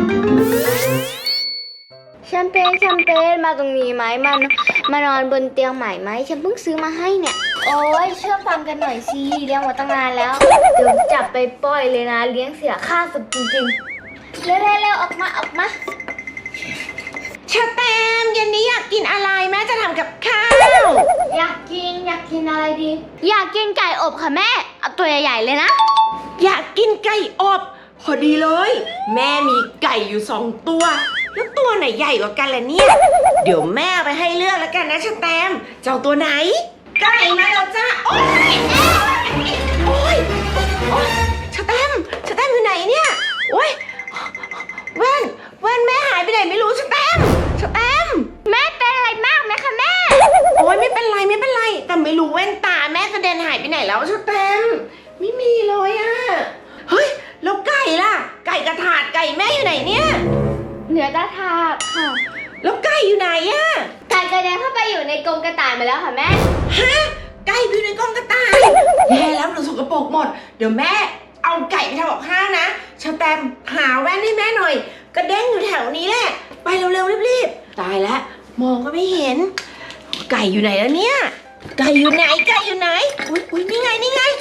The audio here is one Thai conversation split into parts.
แชมเปญมาตรงนี้ไหมมานอนบนเตียงใหม่ไหมฉันเพิ่งซื้อมาให้เนี่ยโอ้ยเชื่อฟังกันหน่อยสิเลี้ยงมาตั้งนานแล้วเดี๋ยวจับไปปล่อยเลยนะเลี้ยงเสียค่าสุดจริงๆเร็วออกมาเชอแตมเย็นนี้อยากกินอะไรแม่จะทำกับข้าวอยากกินอะไรดีอยากกินไก่อบค่ะแม่เอาตัวใหญ่ๆเลยนะอยากกินไก่อบพอดีเลยแม่มีไก่อยู่2 ตัวแล้วตัวไหนใหญ่กว่ากันล่ะเนี่ยเดี๋ยวแม่ไปให้เลือกแล้วกันนะเชอแตมจะเอาตัวไหนไก่มาแล้วจ้าโอ๊ยเชอแตมอยู่ไหนเนี่ยโอ๊ยแว่นแม่หายไปไหนไม่รู้เชอแตมแม่เป็นอะไรมากไหมคะแม่โอ๊ยไม่เป็นไรแต่ไม่รู้แว่นตาแม่กระเด็นหายไปไหนแล้วเชอแตมไม่มีเลยอะเฮ้ยแล้วไก่ล่ะไก่กระถาดไก่แม่อยู่ไหนเนี่ยเหนือตาทาบค่ะแล้วไก่อยู่ไหนอะไก่กระเด็นเข้าไปอยู่ในกรงกระต่ายมาแล้วค่ะแม่ฮะไก่อยู่ในกรงกระต่ายแย่แล้วหนูสกปรกหมดเดี๋ยวแม่เอาไก่ไปทำกับข้าวนะเชอแตมหาแว่นให้แม่หน่อยกระเด้งอยู่แถวนี้แหละไปเร็วๆรีบตายแล้วมองก็ไม่เห็นไก่อยู่ไหนแล้วเนี่ยไก่อยู่ไหนอุ้ยนี่ไง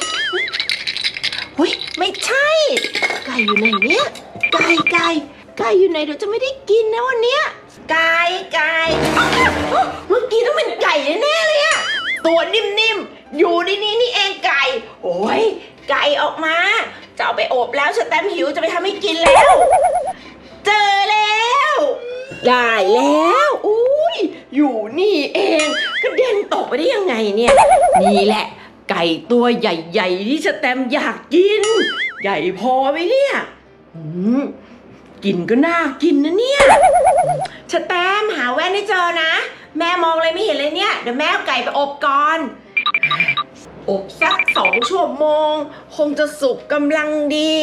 อุ้ยไม่ใช่ไก่อยู่ไหนเนี่ยไก่อยู่ไหนเดี๋ยวจะไม่ได้กินนะวันเนี้ยไก่เมื่อกี้ต้องเป็นไก่แน่ๆเลยอะตัวนิ่มๆอยู่ในนี้นี่เองไก่โอ้ยไก่ออกมาจะเอาไปอบแล้วเชอแตมหิวจะไปทำให้กินแล้วเจอแล้วได้แล้วอุ้ยอยู่นี่เองกระเด็นตกไปได้ยังไงเนี่ยนี่แหละไก่ตัวใหญ่ๆที่เชอแตมอยากกินใหญ่พอไหมเนี่ยกินก็น่ากินนะเนี่ยเชอแตมหาแว่นให้เจอนะแม่มองอะไรไม่เห็นเลยเนี่ยเดี๋ยวแม่เอาไก่ไปอบก่อนอบสัก2 ชั่วโมงคงจะสุกกำลังดี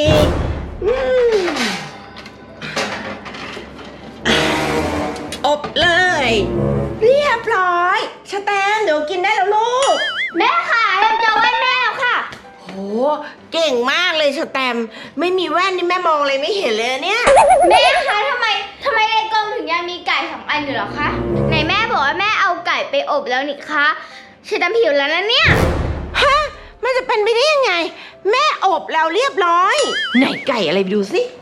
อบเลยเรียบร้อยเชอแตมเดี๋ยวกินได้แล้วลูกแม่ค่ะยังจะแว่นแม่แล้วค่ะโหเก่งมากเลยเชอแตมไม่มีแว่นนี่แม่มองอะไรไม่เห็นเลยเนี่ยแม่คะทำไมในกรงถึงยังมีไก่2 อันอยู่หรอคะไหนแม่บอกว่าแม่เอาไก่ไปอบแล้วนี่คะเชอแตมหิวแล้วนะเนี่ยฮะมันจะเป็นไปได้ยังไงแม่อบแล้วเรียบร้อยไหนไก่อะไรไปดูสิ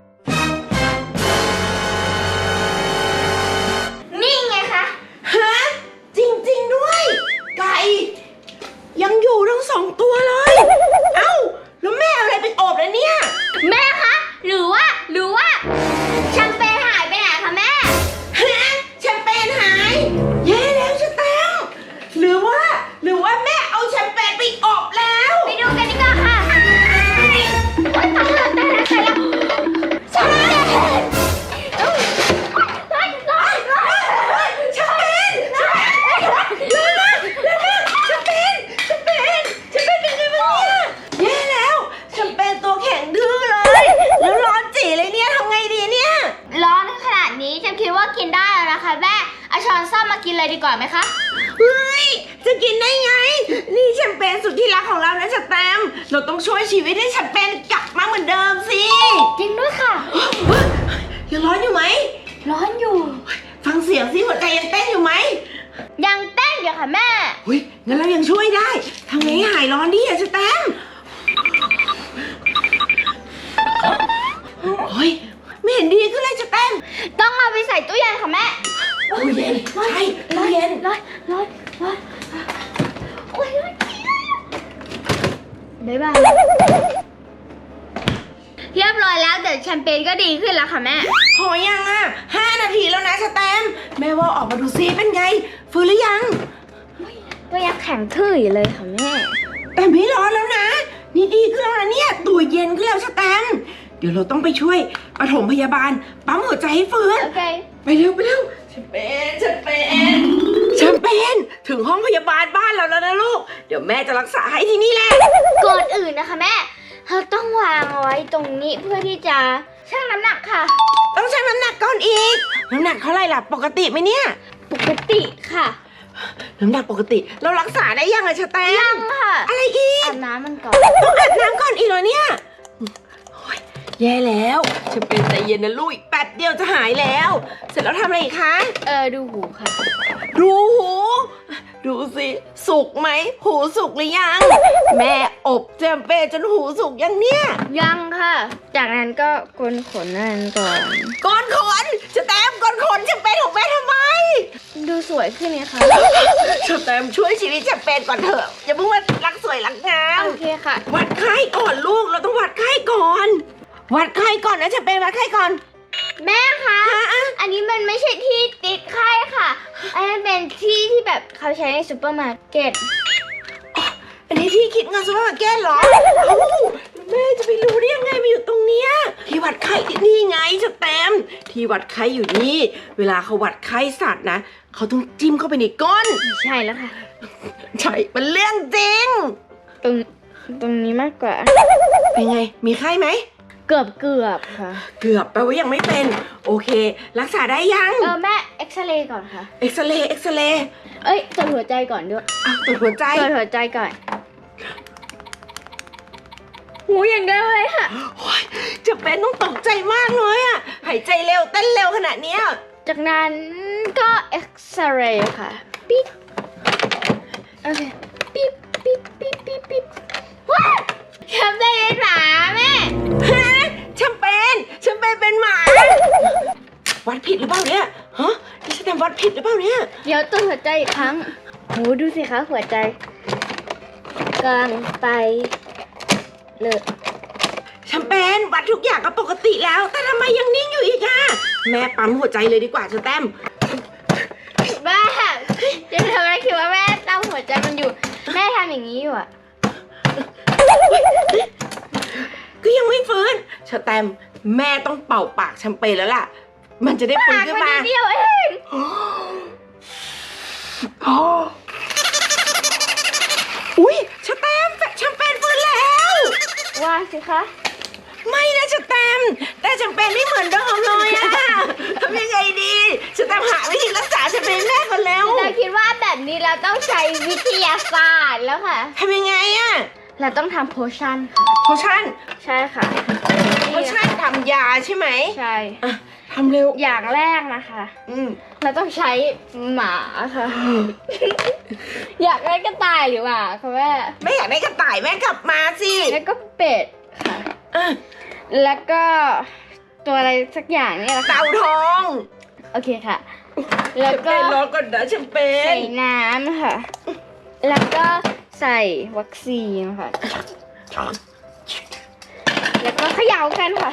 นี่ไงคะฮะจริงๆด้วยไก่ยังอยู่ทั้ง2 ตัวเลยเอ้าแล้วแม่เอาอะไรไปอบแล้วเนี่ยแม่คะหรือว่าแชมเปญหายไปไหนคะแม่ฮะแชมเปญหายแย่แล้วเชอแตมหรือว่าแม่เอาแชมเปญไปอบแล้วไปดูกันดีกว่าค่ะตายแล้วแชมเปญคิดว่ากินได้แล้วนะคะแม่เอาช้อนซ่อมมากินเลยดีกว่าไหมคะเฮ้ยจะกินได้ไงนี่แชมเปญสุดที่รักของเรานะเชอแตมเราต้องช่วยชีวิตให้แชมเปญกลับมาเหมือนเดิมสิจริงด้วยค่ะยังร้อนอยู่ไหมร้อนอยู่ฟังเสียงสิหัวใจยังเต้นอยู่ไหมยังเต้นอยู่ค่ะแม่เฮ้ยงั้นเรายังช่วยได้ทำไงให้หายร้อนดิเชอแตมเฮ้ยไม่เห็นดีขึ้นเลยเชอแตมต้องเอาไปใส่ตู้เย็นค่ะแม่ตู้เย็นใช่ตู้เย็นร้อนโอ้ยบ๊ายบายเรียบร้อยแล้วเดี๋ยวแชมเปญก็ดีขึ้นแล้วค่ะแม่พอยังอ่ะ5 นาทีแล้วนะเชอแตมแม่ว่าออกมาดูซิเป็นไงฟื้นหรือยังก็ยังแข็งทื่ออยู่เลยค่ะแม่แต่ไม่ร้อนแล้วนะนี่ดีขึ้นแล้วนะเนี่ยตัวเย็นขึ้นแล้วเชอแตมเดี๋ยวเราต้องไปช่วยปฐมพยาบาลปั๊มหัวใจให้ฟื้นไปเร็วแชมเปญถึงห้องพยาบาลบ้านเราแล้วนะลูกเดี๋ยวแม่จะรักษาให้ที่นี่แหละก่อนอื่นนะคะแม่เราต้องวางเอาไว้ตรงนี้เพื่อที่จะชั่งน้ำหนักค่ะต้องชั่งน้ำหนักก่อนอีกน้ำหนักเท่าไหร่ล่ะปกติไหมเนี่ยปกติค่ะน้ำหนักปกติเรารักษาได้ยังอะเชอแตมยังค่ะอะไรอีกอาบน้ำมันก่อนต้องอาบน้ำก่อนอีกเหรอเนี่ยแย่แล้วฉันเป็นใจเย็นนะลูกอีกแป๊บเดียวจะหายแล้ว เสร็จแล้วทำอะไรอีกคะดูหูค่ะดูหู ดูสิสุกไหมหูสุกหรือยัง แม่อบแชมเปญจนหูสุกยังเนี่ยยังค่ะ จากนั้นก็โกนขนนั่นก่อนก้อนขนจะแต้มก้อนขนแชมเปญของแม่ทำไมดูสวยขึ้นไงคะจะแต้มช่วยชีวิตแชมเปญก่อนเถอะอย่าเพิ่งมารักสวยรักงามโอเคค่ะวัดไข้ก่อนลูกเราต้องวัดไข้ก่อน วัดไข้ก่อนนะแชมเปญวัดไข้ก่อนแม่คะ อันนี้มันไม่ใช่ที่ติดไข้ค่ะ อันนี้เป็นที่ที่แบบเขาใช้ในซูเปอร์มาร์เก็ตอันนี้ที่คิดเงินซูเปอร์มาร์เก็ตเหรอเอ้าแม่จะไปรู้ได้ยังไงมาอยู่ตรงเนี้ยที่วัดไข้นี่ไงจะแต้มที่วัดไข้อยู่นี่ เวลาเขาวัดไข้สัตว์นะเขาต้องจิ้มเข้าไปในก้นไม่ใช่แล้วค่ะใช่มันเรื่องจริงตรงนี้มากกว่าเป็นไงมีไข้ไหมเกือบค่ะเกือบแปลว่ายังไม่เป็นโอเค รักษาได้ยังแม่เอ็กซเรย์ก่อนค่ะเอ็กซเรย์เอ็กซเรย์ตรวจหัวใจก่อนด้วยอ้าวตรวจหัวใจตรวจหัวใจก่อนหูอย่างเดียวเลยค่ะโอ๊ยจะเป็นต้องตกใจมากเลยอะหายใจเร็วเต้นเร็วขนาดเนี้ยจากนั้นก็เอ็กซเรย์ค่ะ ปิ๊บโอเค ปิ๊บว้าวทำได้เลยหมาแม่ฮะแชมเปญเป็นหมา วัดผิดหรือเปล่าเนี่ยฮะนี่ฉันทำวัดผิดหรือเปล่าเนี่ยเดี๋ยวตรวจหัวใจอีกครั้งโหดูสิคะหัวใจกำลังไปเลยแชมเปญวัดทุกอย่างก็ปกติแล้ว แต่ทำไมยังนิ่งอยู่อีกอะแม่ปั๊มหัวใจเลยดีกว่าเชอแต้มแม่จะทำอะไรคิดว่าแม่ตั้งหัวใจมันอยู่ แม่ทำอย่างนี้อยู่อะก็ยังไม่ฟื้นเชอแต้มแม่ต้องเป่าปากแชมเปญแล้วล่ะ มันจะได้ฟื้นขึ้นมาปากนนิดเดียวเองอุ้ยเชอแต้มแชมเปญฟื้นแล้วว่าสิคะไม่นะเชอแต้มแต่แชมเปญไม่เหมือนเดิมเลยอะทำยังไงดีเชอแต้มหาวิธีรักษาแชมเปญแม่ก่อนแล้วเราคิดว่าแบบนี้เราต้องใช้วิทยาศาสตร์แล้วค่ะทำยังไงอะเราต้องทำโพชั่นโพชั่นใช่ค่ะโพชั่นทำยาใช่ไหมใช่อ่ะทำเร็วอย่างแรกนะคะ เราต้องใช้หมาค่ะ อยากได้กระต่ายหรือหมาคะแม่ไม่อยากได้กระต่ายแม่กลับมาสิแล้วก็เป็ดค่ะอ่ะแล้วก็ตัวอะไรสักอย่างนี่แหละค่ะเต่าทองโอเคค่ะ แล้วก็รอก่อนนะแชมเปใส่ญน้ำค่ะ แล้วก็ใส่วัคซีนค่ะ แล้วก็เขย่ากันค่ะ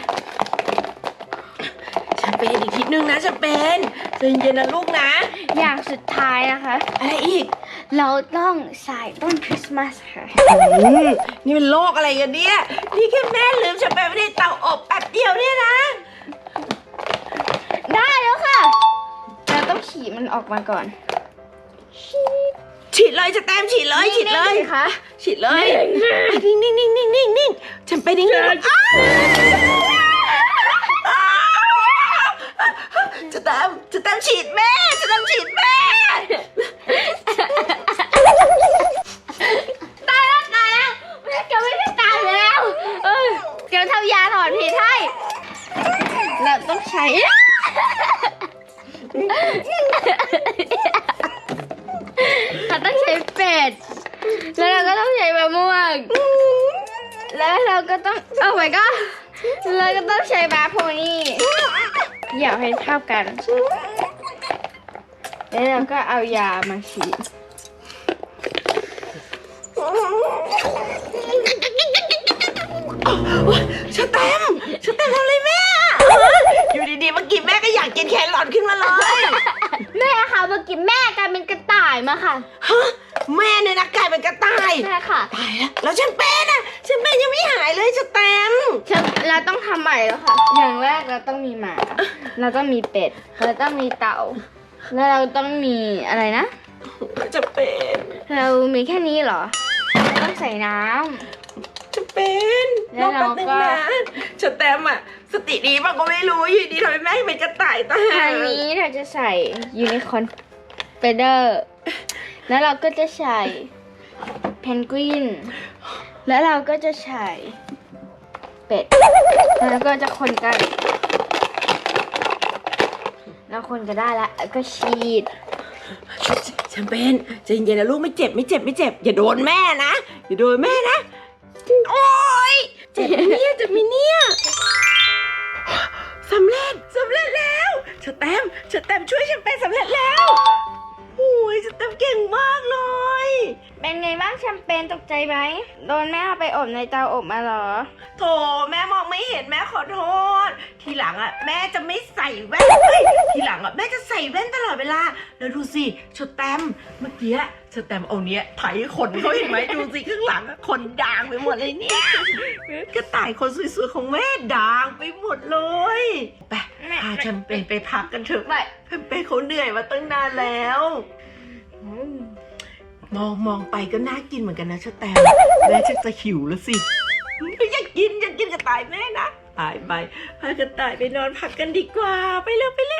แชมเปญอีกทีนึงนะแชมเปญใจเย็นๆนะลูกนะอย่างสุดท้ายนะคะอะไรอีกเราต้องใส่ต้นคริสต์มาสค่ะนี่เป็นโรคอะไรกันเนี่ยนี่แค่แม่ลืมแชมเปญไม่ได้เตาอบแป๊บเดียวเนี่ยนะได้แล้วค่ะ เราต้องฉีดมันออกมาก่อนฉีดเลยจะแต้มฉีดเลยฉีดเลยนี่ค่ะฉีดเลยนิ่งนิ่งแชมเปญนิ่งจะแต้มฉีดแม่จะแต้มฉีดแม่ตายแล้วแม่แกไม่ได้ตายแล้วแกทำยาถอนพิษให้เราต้องใช้ เราต้องใช้เป็ด แล้วเราก็ต้องใช้มะม่วง แล้วเราก็ต้องเอาไว้ก็เราก็ต้องใช้บาโพนี่อย่าให้เท่ากัน แล้วเราก็เอายามาฉีดชะแตมทำอะไรแม่อยู่ดีๆเมื่อกี้แม่ก็อยากกินแครอทขึ้นมาเลยแม่ค่ะเมื่อกี้แม่กลายเป็นกระต่ายมาค่ะฮะแม่เนี่ยนะกลายเป็นกระต่ายใช่ค่ะตายแล้วฉันเป็นยังไม่หายเลยชะแตมเราต้องทำใหม่แล้วค่ะ อย่างแรกเราต้องมีหมา เราต้องมีเป็ด เราต้องมีเต่า แล้วเราต้องมีอะไรนะจะเป็นเรามีแค่นี้เหรอ ต้องใส่น้ำจะเป็นแล้วเราก็แป๊บนึงนะชะแตมอะสติดีป่ะก็ไม่รู้อยู่ดีทำไมแม่เป็นกระต่ายตาทางนี้เราจะใส่ยูนิคอร์นเฟเดอร์ แล้วเราก็จะใส่เพนกวิน แล้วเราก็จะใส่เป็ดแล้วก็จะคนกันแล้วคนก็ได้แล้วก็ฉีดแชมเปญใจเย็นๆนะลูกไม่เจ็บอย่าโดนแม่นะอย่าโดนแม่นะโอ๊ยเจ็บไหมเนี่ยสำเร็จแล้วสแตมป์ช่วยแชมเปญสำเร็จแล้วโอ้ยสแตมป์เก่งมากเลยเป็นไงบ้างแชมเปญตกใจไหมโดนแม่เอาไปอบในเตาอบมาเหรอโถแม่มองไม่เห็นแม่ขอโทษทีหลังอ่ะแม่จะไม่ใส่แว่นทีหลังอ่ะแม่จะใส่แว่นตลอดเวลาแล้วดูสิสแตมป์เมื่อกี้สแตมป์เอาเนี้ยไถขนเขาเห็นไหมดูสิข้างหลังอ่ะขนด่างไปหมดเลยเนี่ยกระต่ายคนสวยๆของแม่ด่างไปหมดเลยไปพาแชมเปญไปพักกันเถอะไปแชมเปญเขาเหนื่อยมาตั้งนานแล้วมองไปก็น่ากินเหมือนกันนะสแตมป์แม่ชักจะหิวแล้วสิอยากกินกระต่ายแม่นะไปพากระต่ายไปนอนพักกันดีกว่าไปเร็ว